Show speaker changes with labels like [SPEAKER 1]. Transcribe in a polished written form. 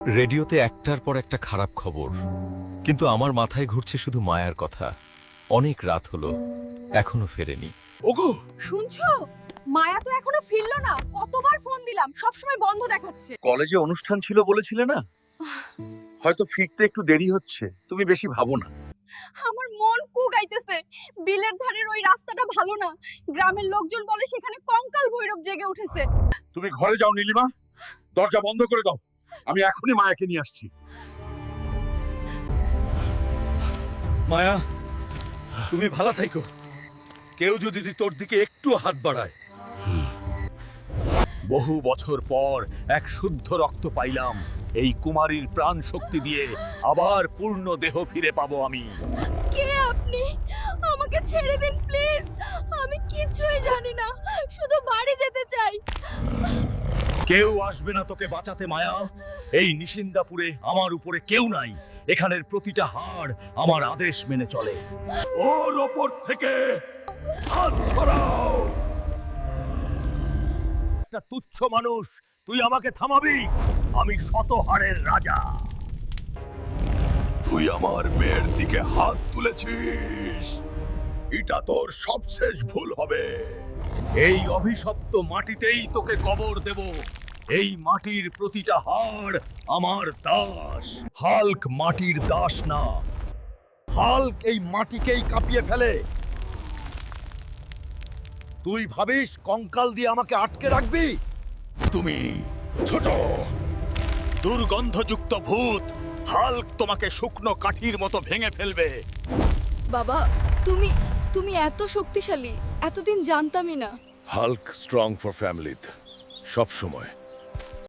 [SPEAKER 1] রেডিওতে একটার পর একটা খারাপ খবর, কিন্তু আমার মাথায় ঘুরছে শুধু মায়ার কথা। অনেক রাত হলো, এখনো ফেরেনি।
[SPEAKER 2] ওগো,
[SPEAKER 3] শুনছো? মায়া তো এখনো ফিরলো না। কতবার ফোন দিলাম, সবসময় বন্ধ দেখাচ্ছে।
[SPEAKER 2] কলেজে অনুষ্ঠান ছিল বলেছিলে না? হয়তো ফিরতে একটু দেরি হচ্ছে, তুমি বেশি ভাবো না।
[SPEAKER 3] আমার মন কুগাইতেছে। বিলের ধারের ওই রাস্তাটা ভালো না। গ্রামের লোকজন বলে সেখানে কঙ্কাল ভৈরব জেগে উঠেছে।
[SPEAKER 2] তুমি ঘরে যাও নীলিমা, দরজা বন্ধ করে দাও। আমি এখনই মায়াকে নিয়ে আসছি।
[SPEAKER 4] মায়া, তুমি ভালো থাইকো। কেউ যদি তোর দিকে একটু হাত বাড়ায়।
[SPEAKER 5] বহু বছর পর এক শুদ্ধ রক্ত পাইলাম। এই কুমারীর প্রাণ শক্তি দিয়ে আবার পূর্ণ দেহ ফিরে পাবো আমি।
[SPEAKER 3] কে আপনি? আমাকে ছেড়ে দিন প্লিজ। আমি কিছুই জানি না, শুধু বাড়ি যেতে চাই।
[SPEAKER 5] কেউ আসবে না তোকে বাঁচাতে মায়া। এই নিশিন্দাপুরে আমার উপরে কেউ নাই। এখানের প্রতিটা হাড় আমার আদেশ মেনে চলে। ওর ওপর থেকে হাত সরাও। একটা তুচ্ছ মানুষ, তুই আমাকে থামাবি? আমি শত হাড়ের রাজা।
[SPEAKER 2] তুই আমার মেয়ের দিকে হাত তুলেছিস, এটা তোর সবশেষ ভুল হবে।
[SPEAKER 5] এই অভিশপ্ত মাটিতেই তোকে কবর দেব। এই মাটির প্রতিটা হাড় আমার দাস। হাল্ক মাটির দাস না, হাল্ক এই মাটিকেই কাঁপিয়ে ফেলে। তুই ভাবিস কঙ্কাল দিয়ে আমাকে আটকে রাখবি? তুমি ছোট দুর্গন্ধযুক্ত ভূত। হাল্ক তোমাকে শুকনো কাঠির মতো ভেঙে ফেলবে।
[SPEAKER 3] বাবা, তুমি এত শক্তিশালী, এতদিন জানতামই না।
[SPEAKER 2] হাল্ক স্ট্রং ফর ফ্যামিলি সব সময়।